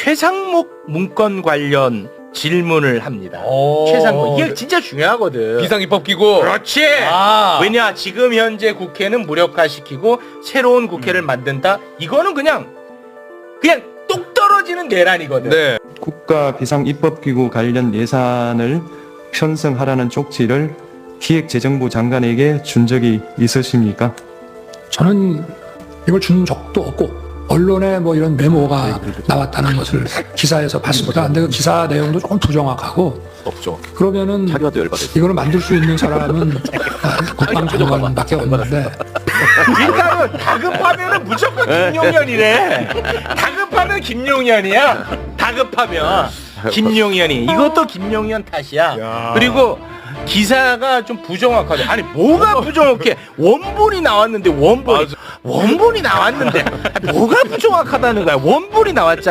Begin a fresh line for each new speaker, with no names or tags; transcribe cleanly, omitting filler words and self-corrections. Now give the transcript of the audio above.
최상목 문건 관련 질문을 합니다. 최상목 이게 진짜 중요하거든.
비상입법기구.
그렇지. 왜냐 지금 현재 국회는 무력화시키고 새로운 국회를 만든다. 이거는 그냥 똑 떨어지는 계란이거든.
네.
국가 비상입법기구 관련 예산을 편성하라는 쪽지를 기획재정부 장관에게 준 적이 있으십니까?
저는 이걸 준 적도 없고 언론에 뭐 이런 메모가 나왔다는 것을 기사에서 봤습니다. 근데 그 기사 내용도 조금 부정확하고
없죠.
그러면은 이거를 만들 수 있는 사람은 국방장관밖에 없는데
일단은 다급하면은 무조건 김용현이래. 다급하면 김용현이야. 다급하면 김용현이. 이것도 김용현 탓이야. 그리고 기사가 좀 부정확하죠. 아니 뭐가 부정확해? 원본이 나왔는데 원본이 나왔는데 뭐가 부정확하다는 거야? 원본이 나왔잖아.